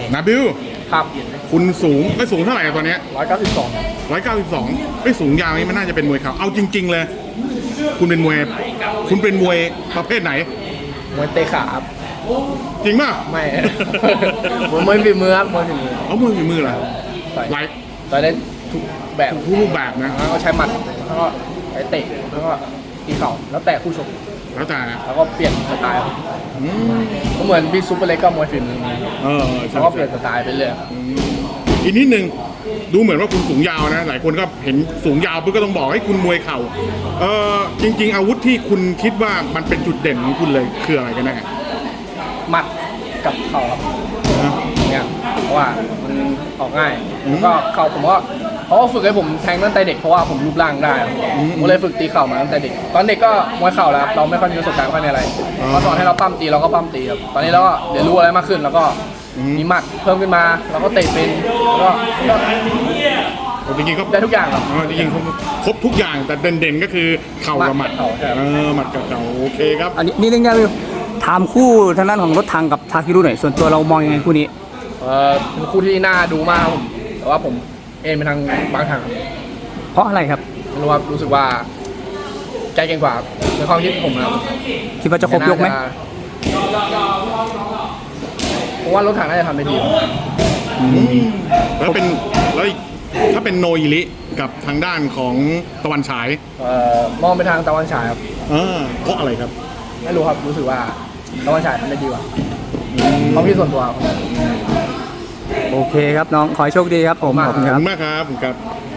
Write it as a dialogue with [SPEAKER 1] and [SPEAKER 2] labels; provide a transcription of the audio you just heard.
[SPEAKER 1] นาบิล
[SPEAKER 2] ครับ
[SPEAKER 1] คุณสูงไม่สูงเท่าไหร่ตอนนี้
[SPEAKER 2] 192
[SPEAKER 1] 192ไม่สูงยาวนี่มันน่าจะเป็นมวยเข่าเอาจริงๆเลย คุณเป็นมวยประเภทไหน
[SPEAKER 2] มวยเตะขาครับ
[SPEAKER 1] จริงป่ะ
[SPEAKER 2] ไม่ มวยฝีมือครับมวยฝีมือ
[SPEAKER 1] เอามวยฝีมือเหรอ
[SPEAKER 2] ต่อย
[SPEAKER 1] หลาย
[SPEAKER 2] ต่อยได้ทุกแบบ
[SPEAKER 1] ทุกรูปแบบนะ
[SPEAKER 2] แล้วก็ใช้หมัดแล้วก็ใช้เตะแล้วก็ตีเข่าแล้วแต่คู่ชก
[SPEAKER 1] แล้วแต่นะ
[SPEAKER 2] แล้วก็เปลี่ยนสไตล์ครับ
[SPEAKER 1] อืม
[SPEAKER 2] ก็เหมือนพี่ซุปเปอร์เล็กก็มวยฝีมือ
[SPEAKER 1] ใช่
[SPEAKER 2] แล้วก็เปลี่ยนสไตล์ไปเรื่อย
[SPEAKER 1] อีกนิดนึงดูเหมือนว่าคุณสูงยาวนะ หลายคนก็เห็นสูงยาวปุ๊บก็ต้องบอกให้คุณมวยเข่าจริง ๆ อาวุธที่คุณคิดว่ามันเป็นจุดเด่นของคุณเลยคืออะไรกันแน่
[SPEAKER 2] หมัดกับเข่าครับ
[SPEAKER 1] นะ
[SPEAKER 2] เนี่ยเพราะว่ามันออกง่ายแล้วก็เข่าผมว่าเขาก็ฝึกให้ผมแทงตั้งแต่เด็กเพราะว่าผมรูปร่างได้ครับผมเลยฝึกตีเข่ามาตั้งแต่เด็กตอนเด็กก็มวยเข่าแล้วครับเราไม่ค่อยมีประสบการณ์ไม่ค่อยมีอะไรเขาสอนให้เราปั้มตีเราก็ปั้มตีครับตอนนี้เราก็เรียนรู้อะไรมากขึ้นแล้วก็มีหมัดเพิ่มขึ้นมาแล้วก็เตะเป็นแล้วก็
[SPEAKER 1] จริงๆก็
[SPEAKER 2] ได้ทุกอย่างครับ
[SPEAKER 1] จริงๆครบทุกอย่างแต่เด่นๆก็คือเข่ากับหมัด
[SPEAKER 2] เข่าใช่ครับ
[SPEAKER 1] หมัดกับเข่าโอเคครับ
[SPEAKER 3] อันนี้นี่เรื่องยากเลยถามคู่ทางด้านของรถถังกับทาคิรุหน่อยส่วนตัวเรามองยังไงคู่นี้
[SPEAKER 2] เป็นคู่ที่น่าดูมากครับผมแต่ว่าผมเอ็นไปทางบางทางครับ
[SPEAKER 3] เพราะอะไรครับ
[SPEAKER 2] ไม่รู้ว่ารู้สึกว่าใจเก่งกว่าในความคิดผมนะครับ
[SPEAKER 3] คิดว่าจะครบยกไหม
[SPEAKER 2] ผมว่ารถถังน่าจะทำได้ดี
[SPEAKER 1] แล้วถ้าเป็นโนอิริกับทางด้านของตะวันฉาย
[SPEAKER 2] มองไปทางตะวันฉายครับ
[SPEAKER 1] เพราะอะไรครับ
[SPEAKER 2] ไม่รู้ครับรู้สึกว่าตะวันฉายทำได้ดีกว่าความคิดส่วนตัวครับ
[SPEAKER 3] โอเคครับน้องขอให้โชคดีครับผมขอบคุณ
[SPEAKER 1] ขอบ
[SPEAKER 3] ครับ
[SPEAKER 1] คุณมากครับผมครับ